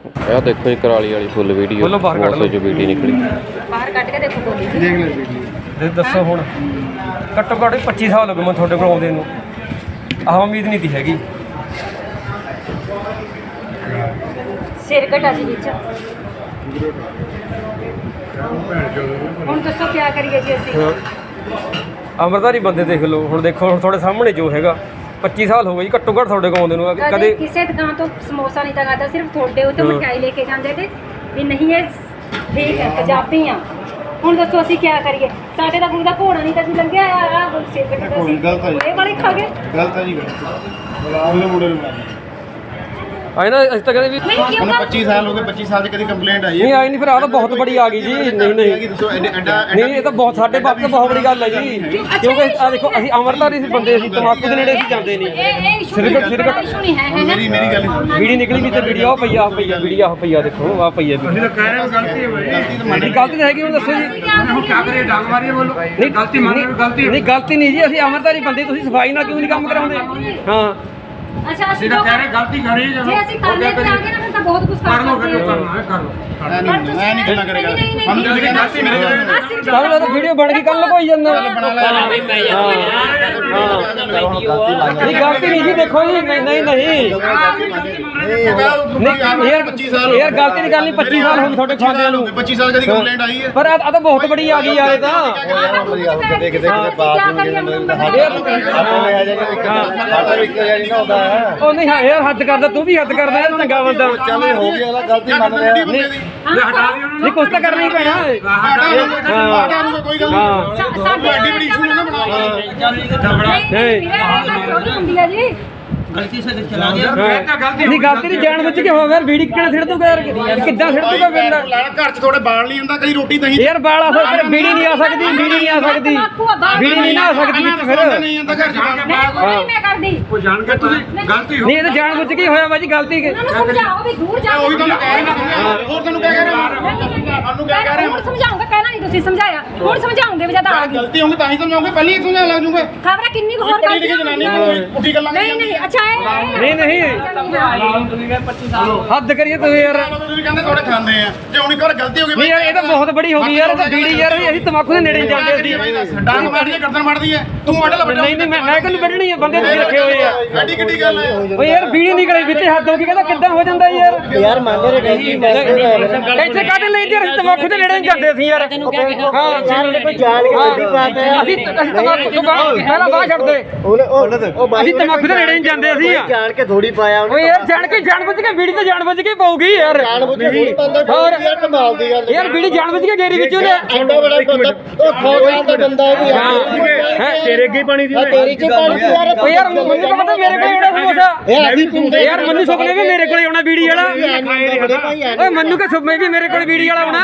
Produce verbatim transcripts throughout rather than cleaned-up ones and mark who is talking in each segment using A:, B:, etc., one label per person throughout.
A: ਇਹ ਦੇਖੋ ਜੀ कराली वाली फुल वीडियो बहुत जो वीडियो निकली
B: बाहर कट के देखो बोली
C: देख ले वीडियो
D: ਦੇ ਦੱਸੋ ਹੁਣ ਘੱਟੋ ਘੱਟ ਪੱਚੀ ਸਾਲ ਹੋ ਗਏ ਮੈਂ ਤੁਹਾਡੇ ਕੋਲ ਆਉਂਦੇ ਨੂੰ ਆਹ ਉਮੀਦ ਨਹੀਂ ਤੀ ਹੈਗੀ
B: सिर घटा जी विच ਹੁਣ ਦੱਸੋ ਕੀ ਕਰੀਏ ਜੀ ਅਸੀਂ
D: ਅਮਰਦਾਰੀ ਬੰਦੇ ਦੇਖ ਲਓ ਹੁਣ ਦੇਖੋ ਹੁਣ ਤੁਹਾਡੇ ਸਾਹਮਣੇ ਜੋ ਹੈਗਾ ਪੱਚੀ ਸਾਲ ਹੋ ਗਏ ਜੀ ਘੱਟੋ ਘੱਟ ਤੁਹਾਡੇ ਕੋਲ ਆਉਂਦੇ ਨੂੰ
B: ਕਦੇ ਕਿਸੇ ਦੁਕਾਨ ਤੋਂ ਸਮੋਸਾ ਨਹੀਂ ਤਾਂ ਖਾਦਾ ਸਿਰਫ ਤੁਹਾਡੇ ਉੱਤੇ ਮਠਿਆਈ ਲੈ ਕੇ ਜਾਂਦੇ ਤੇ ਵੀ ਨਹੀਂ ਇਹ ਠੀਕ ਹੈ ਪੰਜਾਬੀ ਆ ਹੁਣ ਦੱਸੋ ਅਸੀਂ ਕੀ ਕਰੀਏ ਸਾਡੇ ਤਾਂ ਕੋਈ ਦਾ ਘੋੜਾ ਨਹੀਂ ਤਾਂ ਅਸੀਂ ਲੰਘਿਆ ਆ ਆ ਸਿਰ ਘਟਾ ਸੀ
C: ਗਲਤ ਹੈ
B: ਇਹ ਵਾਲੇ ਖਾ ਗਏ
C: ਗਲਤ ਹੈ ਜੀ ਉਹਨੇ ਮੁੰਡੇ ਨੂੰ ਮਾਰਿਆ
D: ਆਏ ਨਾ ਅਸੀਂ ਤਾਂ ਕਹਿੰਦੇ ਵੀ
B: ਨਹੀਂ ਕਿਉਂ
C: ਉਹਨੂੰ ਪੱਚੀ ਸਾਲ ਹੋ ਗਏ ਪੱਚੀ ਸਾਲ ਦੀ ਕਦੀ ਕੰਪਲੇਂਟ ਆਈ
D: ਨਹੀਂ
C: ਹੈ
D: ਆਈ ਨਹੀਂ ਫਿਰ ਆ ਤਾਂ ਬਹੁਤ ਬੜੀ ਆ ਗਈ ਜੀ ਨਹੀਂ ਨਹੀਂ
C: ਦੱਸੋ ਐਡਾ ਐਡਾ
D: ਨਹੀਂ ਇਹ ਤਾਂ ਬਹੁਤ ਸਾਡੇ ਬਾਪ ਤਾਂ ਬਹੁਤ ਬੜੀ ਗੱਲ ਹੈ ਜੀ ਕਿਉਂਕਿ ਆ ਦੇਖੋ ਅਸੀਂ ਅਮਰਦਾਰੀ ਸੀ ਬੰਦੇ ਅਸੀਂ ਤਮਾਕੂ ਦੇ ਨੇੜੇ ਅਸੀਂ ਜਾਂਦੇ ਨਹੀਂ
B: ਇਹ ਇਹ ਇਸ਼ੂ
D: ਸਿਰਕਟ ਸਿਰਕਟ
B: ਇਸ਼ੂ ਨਹੀਂ ਹੈ ਹੈ ਨਾ
C: ਮੇਰੀ ਮੇਰੀ ਗੱਲ
D: ਵੀਡੀ ਨਿਕਲੀ ਵੀ ਤੇ ਵੀਡੀਓ ਆ ਪਈਆ ਪਈਆ ਵੀਡੀਓ ਆ ਪਈਆ ਦੇਖੋ ਆ ਪਈਆ ਵੀ
C: ਕਹਿ ਰਹੇ ਹੋ ਗਲਤੀ ਹੈ ਭਾਈ ਗਲਤੀ ਤਾਂ
D: ਨਹੀਂ ਗਲਤੀ ਤਾਂ ਹੈਗੀ ਹੁਣ ਦੱਸੋ ਜੀ
B: ਹੁਣ ਕੀ ਕਰੀਏ
C: ਡਾਂਗ ਮਾਰੀਏ ਬੋਲੋ
D: ਨਹੀਂ ਗਲਤੀ ਮੰਨ ਗਲਤੀ ਨਹੀਂ ਗਲਤੀ ਨਹੀਂ ਜੀ ਅਸੀਂ ਅਮਰਦਾਰੀ ਬੰਦੇ ਤੁਸੀਂ ਸਫਾਈ ਨਾਲ ਕਿਉਂ ਨਹੀਂ ਕੰਮ ਕਰਾਉਂਦੇ ਹਾਂ
B: ਅੱਛਾ ਅਸੀਂ ਤਾਂ ਕਹਿ ਰਹੇ ਗਲਤੀ ਕਰੀ ਜੇ ਅਸੀਂ ਕਰਨੇ ਤੇ ਆ ਗਏ ਨਾ ਫਿਰ ਤਾਂ ਬਹੁਤ ਕੁਝ ਕਰ ਸਕਦੇ
C: ਮੈਂ ਨਹੀਂ ਮੈਂ ਨਹੀਂ ਗੱਲਾਂ ਕਰੇਗਾ ਹਮ ਤੁਸੀਂ ਗਲਤੀ ਮੇਰੇ ਕੋਲ
D: ਕੱਲ ਉਹ ਵੀਡੀਓ ਬਣ ਗਈ ਕੱਲ ਕੋਈ ਜਾਂਦਾ
C: ਬਣਾ ਲੈ
D: ਨਹੀਂ ਗਲਤੀ ਨਹੀਂ ਜੀ ਦੇਖੋ ਜੀ ਨਹੀਂ ਨਹੀਂ ਨਹੀਂ ਯਾਰ
C: ਪੱਚੀ ਸਾਲ
D: ਯਾਰ ਗਲਤੀ ਦੀ ਗੱਲ ਨਹੀਂ ਪੱਚੀ ਸਾਲ ਹੋ ਗਏ ਤੁਹਾਡੇ ਖਾਂਦਿਆਂ ਨੂੰ
C: ਪੱਚੀ ਸਾਲ ਕਦੀ ਕੰਪਲੇਂਟ ਆਈ ਹੈ
D: ਪਰ ਆ ਤਾਂ ਬਹੁਤ ਬੜੀ ਆ ਗਈ ਯਾਰ ਇਹ ਤਾਂ
B: ਕਿਤੇ ਕਿਤੇ ਬਾਤ
D: ਉਹ ਨਹੀਂ ਹਾਂ ਯਾਰ ਹੱਦ ਕਰਦਾ ਤੂੰ ਵੀ ਹੱਦ ਕਰਦਾ ਯਾਰ ਚੰਗਾ ਬੰਦਾ
C: ਚੱਲ ਹੋ ਗਿਆ ਗਲਤੀ ਮੰਨ ਰਿਹਾ
D: ਨਹੀਂ ਕੁਛ ਤਾਂ ਕਰਨਾ ਹੀ ਪੈਣਾ
C: ਹਟਾ ਦੂੰਗਾ ਕੋਈ ਗੱਲ ਨਹੀਂ
B: ਸਾਡੇ
C: ਐਡੀ ਬੜੀ ਇਸ਼ੂ ਨਾ ਬਣਾ
B: ਹੁੰਦੀ ਹੈ ਜੀ
D: ਨਹੀਂ ਗਲਤੀ ਨਹੀਂ ਜਾਣ ਬੁੱਝ ਕੇ ਹੋ ਗਿਆ ਵੀੜੀ ਕਿਹੜਾ ਛਿੜ ਦੂਗਾ ਯਾਰ ਕਿੱਦਾਂ ਛਿੜ ਦੂਗਾ ਬੰਦਾ
C: ਘਰ ਚ ਥੋੜੇ ਬਾਲ ਨਹੀਂ ਹੁੰਦਾ ਕਦੀ ਰੋਟੀ ਨਹੀਂ
D: ਯਾਰ ਬਾਲ ਆ ਸਕਦਾ ਵੀੜੀ ਨਹੀਂ ਆ ਸਕਦੀ ਵੀੜੀ ਨਹੀਂ ਆ ਸਕਦੀ ਵੀੜੀ ਨਹੀਂ ਨਾ ਆ ਸਕਦੀ ਵਿੱਚ ਫਿਰ
C: ਨਹੀਂ ਹੁੰਦਾ ਘਰ ਚ
B: ਨਹੀਂ ਮੈਂ ਕਰਦੀ
C: ਕੋਈ ਜਾਣ ਕੇ ਤੁਸੀਂ ਗਲਤੀ
D: ਨਹੀਂ ਇਹ ਤਾਂ ਜਾਣ ਬੁੱਝ ਕੇ ਹੋਇਆ ਬਾਜੀ ਗਲਤੀ ਕਿ
B: ਉਹਨਾਂ ਨੂੰ ਸਮਝਾਓ ਵੀ ਦੂਰ ਜਾ
C: ਉਹੀ ਤੁਹਾਨੂੰ ਕਹਿ ਰਿਹਾ ਹੋਰ ਤੁਹਾਨੂੰ ਕਹਿ ਰਿਹਾ ਤੁਹਾਨੂੰ ਕਹਿ ਰਿਹਾ
B: ਹੁਣ ਸਮਝਾਉਂਗਾ ਕਹਿਣਾ ਨਹੀਂ ਤੁਸੀਂ ਸਮਝਾਇਆ ਹੁਣ ਸਮਝਾਉਂਗੇ ਵੀ ਜਦ ਆ ਗਈ
C: ਗਲਤੀ ਹੋਊਗੀ ਤਾਂ ਹੀ ਸਮਝਾਉਂਗੇ ਪਹਿਲਾਂ ਹੀ ਸਮਝਾ ਲੱਗ ਜੂਗੇ
B: ਖਬਰਾਂ ਕਿੰਨੀ ਕੁ ਹੋਰ
C: ਪੜੀ ਲਿਖੀ ਜਨਾਨੀ ਕੋਈ ਉੱਠੀ ਗੱਲਾਂ
B: ਨਹੀਂ ਨਹੀਂ ਅੱਛਾ ਇਹ
D: ਨਹੀਂ ਨਹੀਂ ਹੱਦ ਕਰੀਏ ਤੂੰ ਯਾਰ
C: ਤੁਸੀਂ ਕਹਿੰਦੇ ਥੋੜੇ ਖਾਂਦੇ ਆ ਜੇ ਹੁਣ ਇੱਕ ਵਾਰ ਗਲਤੀ ਹੋ ਗਈ
D: ਨਹੀਂ ਯਾਰ ਇਹ ਤਾਂ ਬਹੁਤ ਬੜੀ ਹੋ ਗਈ ਯਾਰ ਇਹ ਤਾਂ ਬੀੜੀ ਯਾਰ ਅਸੀਂ ਤਮਾਕੂ ਦੇ ਨੇੜੇ ਜਾਂਦੇ ਸੀ
C: ਡਾਂਗ ਮਾਰਦੀ ਹੈ ਗਰਦਨ ਮਾਰਦੀ ਹੈ ਤੂੰ ਆਡਲ ਵੱਡਾ
D: ਨਹੀਂ ਨਹੀਂ ਮੈਂ ਮੈਂ ਕਿਹਨੂੰ ਵੱਢਣੀ ਆ ਬੰਦੇ ਤੁਸੀਂ ਰੱਖੇ ਹੋਏ ਆ
C: ਐਡੀ ਕਿੱਡੀ ਗੱਲ ਹੈ
D: ਓਏ ਯਾਰ ਬੀੜੀ ਨਿਕਲੇ ਵਿੱਚੇ ਹੱਦ ਹੋ ਗਈ ਕਹਿੰਦਾ ਕਿੱਦਾਂ ਹੋ ਜਾਂਦਾ ਯਾਰ
E: ਯਾਰ ਮੰਨ ਰਹੇ ਗਲਤੀ
D: ਇੱਥੇ ਕਾਹਦੇ ਲਈ ਯਾਰ ਅਸੀਂ ਤਮਾਕੂ ਦੇ ਨੇੜੇ ਨਹੀਂ ਜਾਂਦੇ ਸੀ ਯਾਰ ਹਾਂ
E: ਜਾਣ ਕੋਈ ਜਾਣ ਕੇ ਗੱਡੀ ਪਾਤੇ
D: ਅਸੀਂ ਅਸੀਂ ਤਮਾਕੂ ਤੋਂ ਬਾਹਰ ਪਹਿਲਾਂ ਬਾਹਰ ਛੱਡਦੇ
E: ਉਹਨੇ ਉਹ
D: ਅਸੀਂ ਤਮਾਕੂ ਦੇ ਨੇੜੇ ਨਹੀਂ ਜਾਂਦੇ ਅਸੀਂ
E: ਜਾਣ ਕੇ ਥੋੜੀ ਪਾਇਆ ਉਹਨੇ
D: ਓਏ ਯਾਰ ਜਾਣ ਕੇ ਜਾਣ ਬੁੱਝ ਕੇ ਬੀੜੀ ਤੇ ਜਾਣ ਬੁੱਝ ਕੇ ਪਾਉਗੀ ਯਾਰ
E: ਜਾਣ ਬੁੱਝ ਕੇ ਥੋੜੀ ਪਾਉਂਦਾ
D: ਹੋਰ
E: ਯਾਰ ਕਮਾਲ ਦੀ ਗੱਲ
D: ਯਾਰ ਬੀੜੀ ਜਾਣ ਬੁੱਝ ਕੇ ਗੇਰੀ ਵਿੱਚ ਉਹਨੇ
E: ਐਡਾ ਬੜਾ ਬੰਦਾ ਉਹ ਖੋਖਾ ਦਾ ਬੰਦਾ ਉਹ ਵੀ
D: ਹੈ ਤੇਰੇ ਅੱਗੇ ਪਾਣੀ ਦੀ
E: ਤੇਰੀ ਚ ਪਾਣੀ ਦੀ ਯਾਰ
D: ਓਏ ਯਾਰ ਮੈਨੂੰ ਤਾਂ ਪਤਾ ਮੇਰੇ ਕੋਲ ਆਉਣਾ ਸਮੋਸਾ
E: ਯਾਰ ਅਸੀਂ ਪਿੰਡ
D: ਯਾਰ ਮੈਨੂੰ ਸੁਪਨੇ ਵੀ ਮੇਰੇ ਕੋਲ ਆਉਣਾ ਬੀੜੀ ਵਾਲਾ
E: ਬੜੇ ਭਾਈ ਆ
D: ਓਏ ਮੈਨੂੰ ਕਿ ਸੁਪਨੇ ਵੀ ਮੇਰੇ ਕੋਲ ਬੀੜੀ ਵਾਲਾ ਆਉਣਾ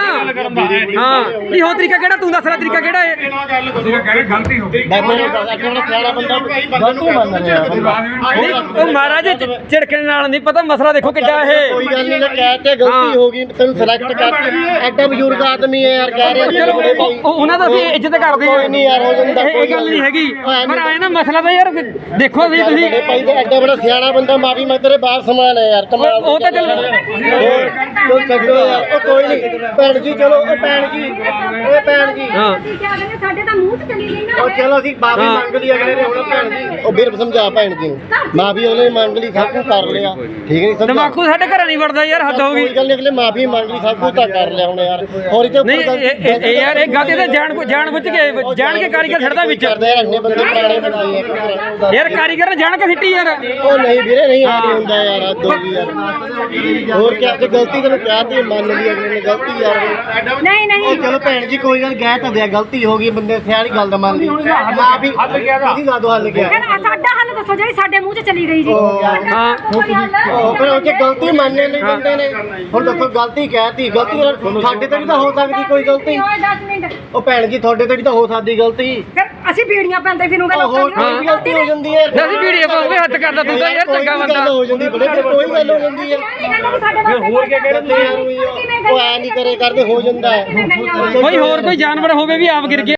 D: ਹਾਂ ਨਹੀਂ ਹੋ ਤਰੀਕਾ ਕਿਹੜਾ ਤੂੰ ਦੱਸ ਰਿਹਾ ਤਰੀਕਾ ਕਿਹੜਾ ਹੈ
C: ਤੁਸੀਂ ਕਹਿ ਰਹੇ ਗਲਤੀ ਹੋ ਗਈ
E: ਬਾਬੇ ਨੇ ਕਿਹੜਾ ਸਿਆਣਾ ਬੰਦਾ ਗਲਤੀ ਮੰਨ ਰਿਹਾ
D: ਨਹੀਂ ਉਹ ਮਹਾਰਾਜ ਝਿੜਕਣ ਨਾਲ ਨਹੀਂ ਪਤਾ ਮਸਲਾ ਦੇਖੋ ਕਿੱਡਾ ਇਹ
E: ਕੋਈ ਗੱਲ ਨਹੀਂ ਕਹਿ ਤੇ ਗਲਤੀ ਹੋ ਗਈ ਤੈਨੂੰ ਸਿਲੈਕਟ ਕਰ ਐਡਾ ਬਜ਼ੁਰਗ ਆਦਮੀ ਹੈ ਯਾਰ ਕਹਿ ਰਿਹਾ
D: ਚਲੋ ਉਹ- ਉਹਨਾਂ ਦਾ ਅਸੀਂ ਇੱਜ਼ਤ ਕਰਦੇ ਹਾਂ
E: ਕੋਈ ਨਹੀਂ ਯਾਰ ਹੋ ਜਾਂਦਾ
D: ਇਹ ਇਹ ਗੱਲ ਨਹੀਂ ਹੈਗੀ ਪਰ ਆਏ ਨਾ ਮਸਲਾ ਤਾਂ ਯਾਰ ਦੇਖੋ ਵੀ ਤੁਸੀਂ
E: ਬੜੇ ਭਾਈ ਤੇ ਐਡਾ ਬੜਾ ਸਿਆਣਾ ਬੰਦਾ ਮਾਫੀ ਮੈਂ ਤੇਰੇ ਬਾਹਰ ਸਮਾਨ ਹੈ ਯਾਰ ਕਮਾਲ
D: ਉਹ ਤਾਂ ਚਲੋ
E: ਕੋਈ ਛੱਡੋ ਯਾਰ ਉਹ ਕੋਈ ਨਹੀਂ ਭੈਣ ਜੀ ਚਲੋ ਉਹ ਭੈਣ ਜੀ ਇਹ ਭੈਣ ਜੀ
D: ਹਾਂ
B: ਕੀ ਕਹਿੰਦੇ ਸਾਡੇ ਤਾਂ ਮੂੰਹ ਤੇ ਚਲੀ ਗਈ ਨਾ
E: ਉਹ ਚਲੋ ਅਸੀਂ ਮਾਫੀ ਮੰਗ ਲਈ ਅਗਲੇ ਨੇ ਹੁਣ ਭੈਣ ਜੀ ਉਹ ਵੀਰ ਸਮਝਾ ਭੈਣ ਜੀ ਨੂੰ ਮਾਫੀ ਉਹਨੇ ਮੰਗ ਲਈ ਸਭ ਕੁਝ ਕਰ ਲਿਆ ਠੀਕ ਨਹੀਂ ਸਮਝਾ
D: ਤਮਾਕੂ ਸਾਡੇ ਘਰਾਂ ਨਹੀਂ ਵੜਦਾ ਯਾਰ ਹੱਦ ਹੋ ਗਈ
E: ਕੋਈ ਗੱਲ ਨਹੀਂ ਅਗਲੇ ਮਾਫੀ ਮੰਗ ਲਈ ਸਭ ਕੁਝ ਤਾਂ ਕਰ ਲਿਆ ਹੁਣ ਯਾਰ ਹੋਰ ਇਹ
D: ਨਹੀਂ ਇਹ- ਇਹ ਇਹ ਯਾਰ ਇਹ ਗਲਤੀ ਤਾਂ ਜਾਣ ਜਾਣ ਬੁੱਝ ਕੇ ਜਾਣ ਕੇ ਕਾਰੀਗਰ ਛੱਡਦਾ ਵਿੱਚ
E: ਕਰਦੇ ਯਾਰ ਇੰਨੇ ਬੰਦੇ ਪੁਰਾਣੇ ਬੰਦੇ ਆ
D: ਯਾਰ ਕਾਰੀਗਰ ਨੇ ਜਾਣ ਕੇ ਸਿੱਟੀ ਯਾਰ
E: ਉਹ ਨਹੀਂ ਵੀਰੇ ਨਹੀਂ ਆ ਨਹੀਂ ਹੁੰਦਾ ਯਾਰ ਹੱਦ ਹੋ ਗਈ ਯਾਰ ਹੋਰ ਕਿਆ ਜੇ ਗਲਤੀ ਤੈਨੂੰ ਕਹਿ ਤੀ ਮੰਨ ਲਈ ਅਗਲੇ ਨੇ ਗਲਤੀ ਯਾਰ
B: ਨਹੀਂ
E: ਉਹ
B: ਨਹੀਂ
E: ਚਲੋ ਭੈਣ ਜੀ ਕੋਈ ਗੱਲ ਕਹਿ ਤਾਂ ਦਿਆ ਗਲਤੀ ਹੋ ਗਈ ਬੰਦੇ ਸਿਆਣੀ ਗੱਲ ਦਾ ਮੰਨ ਲਈ ਮਾਫੀ ਤੁਸੀਂ ਲਾ ਦੋ ਹੱਲ ਗਿਆ
B: ਕਹਿੰਦਾ ਸਾਡਾ ਹੱਲ ਦੱਸੋ ਜਿਹੜੀ ਸਾਡੇ ਮੂੰਹ 'ਚ ਚਲੀ ਗਈ ਜੀ
D: ਹਾਂ।
B: ਕੋਈ ਹੱਲ
E: ਉਹ ਫਿਰ ਉਹ 'ਚ ਗਲਤੀ ਮੰਨਣੇ ਨਹੀਂ ਬੰਦੇ ਨੇ ਹੁਣ ਦੱਸੋ ਗਲਤੀ ਕਹਿਤੀ ਗਲਤੀ ਨਾਲ ਸਾਡੇ ਤੇ ਵੀ ਤਾਂ ਹੋ ਸਕਦੀ ਕੋਈ ਗਲਤੀ
B: ਓਏ ਦਸ ਮਿੰਟ
E: ਉਹ ਭੈਣ ਜੀ ਤੁਹਾਡੇ ਤੇ ਵੀ ਤਾਂ ਹੋ ਸਕਦੀ ਗਲਤੀ
B: ਫਿਰ ਅਸੀਂ ਬੀੜੀਆਂ ਪੈਂਦੇ ਫਿਰੂਗੇ
E: ਉਹ ਹੋਰ
B: ਲੋਕਾਂ
E: ਕੋਈ ਵੀ ਗਲਤੀ ਹੋ ਜਾਂਦੀ ਹੈ
D: ਅਸੀਂ ਵੀਡੀਓ ਪਾਉਂਗੇ ਹੱਦ ਕਰਦਾ ਤੂੰ ਤਾਂ ਯਾਰ
E: ਕੋਈ
D: ਚੰਗਾ
E: ਵੀ
D: ਬੰਦਾ
E: ਗੱਲ ਹੋ ਜਾਂਦੀ ਬੜੇ ਤੇ ਕੋਈ ਗੱਲ ਹੋ ਜਾਂਦੀ ਹੈ
B: ਹੋਰ ਕੀ ਕਹਿ
E: ਤੇ ਯਾਰ ਉਹ ਐ ਨਹੀਂ ਕਰੇ ਕਰਦੇ ਹੋ ਜਾਂਦਾ ਹੈ
D: ਕੋਈ ਹੋਰ ਕੋਈ ਜਾਨਵਰ ਹੋਵੇ ਵੀ ਆਪ ਗਿਰ ਗਿਆ